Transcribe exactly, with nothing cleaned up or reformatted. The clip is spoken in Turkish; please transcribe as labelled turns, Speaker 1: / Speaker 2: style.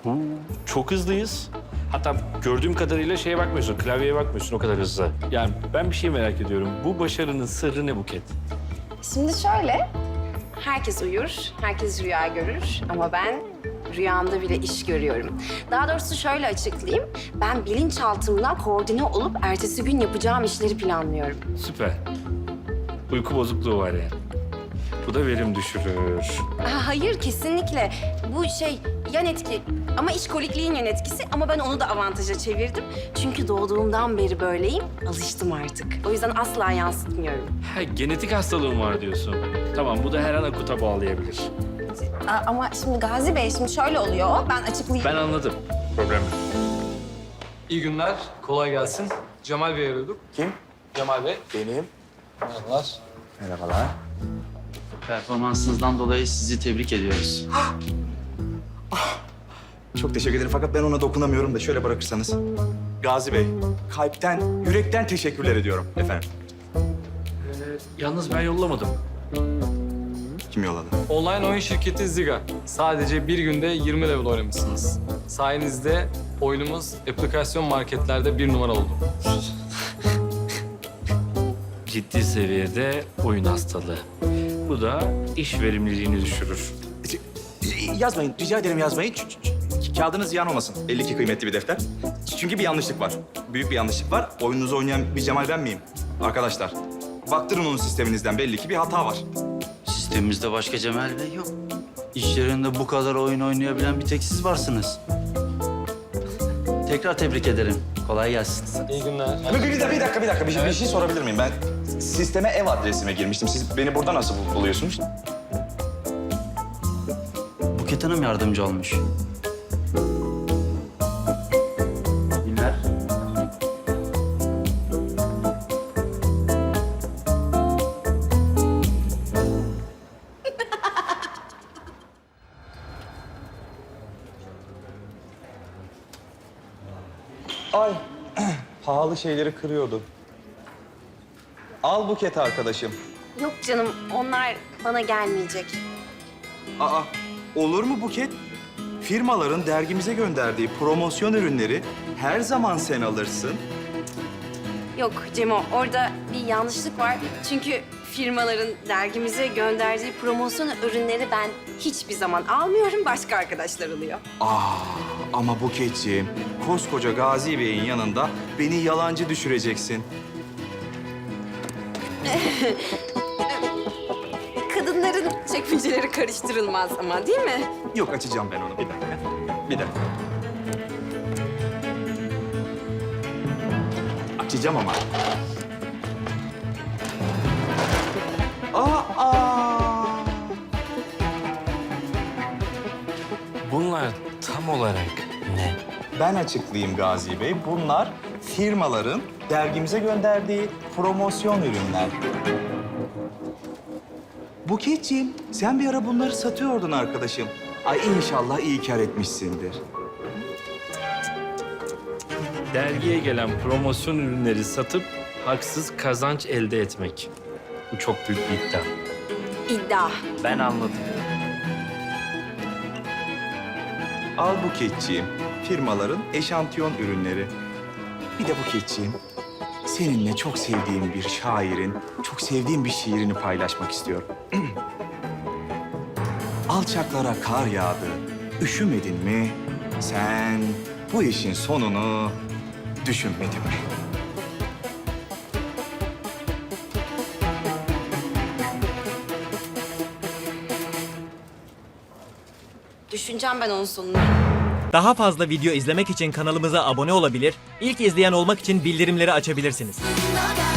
Speaker 1: Huu, çok hızlıyız. Hatta gördüğüm kadarıyla şeye bakmıyorsun, klavyeye bakmıyorsun o kadar hızlı. Yani ben bir şey merak ediyorum. Bu başarının sırrı ne Buket?
Speaker 2: Şimdi şöyle, herkes uyur, herkes rüya görür ama ben rüyamda bile iş görüyorum. Daha doğrusu şöyle açıklayayım, ben bilinçaltımdan koordine olup ertesi gün yapacağım işleri planlıyorum.
Speaker 1: Süper. Uyku bozukluğu var yani. Bu da verim düşürür.
Speaker 2: Aa, hayır, kesinlikle. Bu şey yan etki ama işkolikliğin yan etkisi ama ben onu da avantaja çevirdim. Çünkü doğduğumdan beri böyleyim, alıştım artık. O yüzden asla yansıtmıyorum.
Speaker 1: Ha, genetik hastalığın var diyorsun. Tamam, bu da her an akuta bağlayabilir.
Speaker 2: Aa, ama şimdi Gazi Bey, şimdi şöyle oluyor, ben açıklayayım.
Speaker 1: Ben anladım. Problem yok.
Speaker 3: İyi günler, kolay gelsin. Cemal Bey arıyorduk.
Speaker 4: Kim?
Speaker 3: Cemal Bey.
Speaker 4: Benim.
Speaker 3: Merhabalar.
Speaker 4: Merhabalar.
Speaker 5: Performansınızdan dolayı sizi tebrik ediyoruz.
Speaker 4: Çok teşekkür ederim fakat ben ona dokunamıyorum da şöyle bırakırsanız. Gazi Bey, kalpten, yürekten teşekkürler ediyorum efendim.
Speaker 1: Yalnız ben yollamadım.
Speaker 4: Kim yolladı?
Speaker 3: Online oyun şirketi Ziga. Sadece bir günde yirmi level oynamışsınız. Sayenizde oyunumuz aplikasyon marketlerde bir numara oldu.
Speaker 1: Ciddi seviyede oyun hastalığı. Bu da iş verimliliğini düşürür.
Speaker 4: Yazmayın, rica ederim yazmayın. Ç- ç- ç- Kağıdınız ziyan olmasın. Belli ki kıymetli bir defter. Çünkü bir yanlışlık var. Büyük bir yanlışlık var. Oyununuzu oynayan bir Cemal ben miyim? Arkadaşlar, baktırın onun sisteminizden. Belli ki bir hata var.
Speaker 5: Sistemimizde başka Cemal Bey yok. İş yerinde bu kadar oyun oynayabilen bir tek siz varsınız. Tekrar tebrik ederim. Kolay gelsin.
Speaker 3: İyi günler.
Speaker 4: Bir, bir, bir dakika, bir dakika, bir dakika. Bir, bir şey sorabilir miyim? Ben sisteme ev adresime girmiştim. Siz beni burada nasıl bul- buluyorsunuz?
Speaker 5: Buket Hanım yardımcı olmuş. Günler.
Speaker 4: Ay, pahalı şeyleri kırıyordu. Al Buket arkadaşım.
Speaker 2: Yok canım, onlar bana gelmeyecek.
Speaker 4: Aa, olur mu Buket? Firmaların dergimize gönderdiği promosyon ürünleri her zaman sen alırsın.
Speaker 2: Yok Cemo, orada bir yanlışlık var. Çünkü firmaların dergimize gönderdiği promosyon ürünleri ben hiçbir zaman almıyorum, başka arkadaşlar alıyor.
Speaker 4: Aa, ama Buketciğim, koskoca Gazi Bey'in yanında beni yalancı düşüreceksin.
Speaker 2: Kadınların çekmeceleri karıştırılmaz ama değil mi?
Speaker 4: Yok, açacağım ben onu. Bir dakika. Bir dakika. Açacağım ama. Aa, aa.
Speaker 1: Bunlar tam olarak ne?
Speaker 4: Ben açıklayayım Gazi Bey. Bunlar firmaların dergimize gönderdiği promosyon ürünler. Buketciğim, sen bir ara bunları satıyordun arkadaşım. Ay inşallah iyi kar etmişsindir.
Speaker 1: Dergiye gelen promosyon ürünleri satıp haksız kazanç elde etmek. Bu çok büyük bir iddia.
Speaker 2: İddia.
Speaker 1: Ben anladım.
Speaker 4: Al Buketciğim, firmaların eşantiyon ürünleri. Bir de Buketciğim, seninle çok sevdiğim bir şairin, çok sevdiğim bir şiirini paylaşmak istiyorum. Alçaklara kar yağdı, üşümedin mi? Sen bu işin sonunu düşünmedin mi?
Speaker 2: Düşüneceğim ben onun sonunu.
Speaker 6: Daha fazla video izlemek için kanalımıza abone olabilir, ilk izleyen olmak için bildirimleri açabilirsiniz.
Speaker 7: Look